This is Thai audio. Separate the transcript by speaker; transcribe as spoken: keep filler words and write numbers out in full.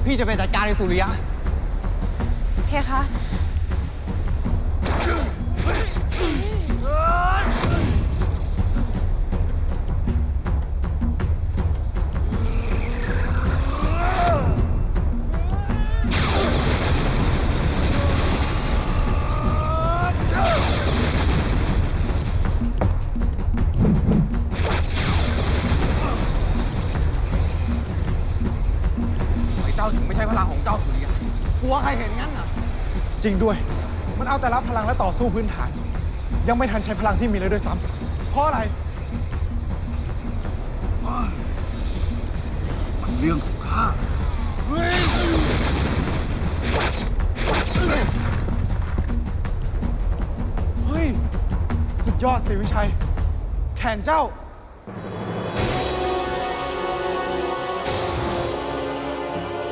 Speaker 1: พี่จะไปจัดการในสุริยะ
Speaker 2: เพคะ
Speaker 1: เจ้าถึงไม่ใช่พลังของเจ้าสุริยะกลัวใครเห็นงั้นอ่ะ
Speaker 3: จริงด้วย มันเอาแต่รับพลังและต่อสู้พื้นฐาน ยังไม่ทันใช้พลังที่มีเลยด้วยซ้ำเพราะอะไร
Speaker 4: มันเรื่องของข้า
Speaker 3: เฮ้ย สุดยอดสิวิชัย แขนเจ้า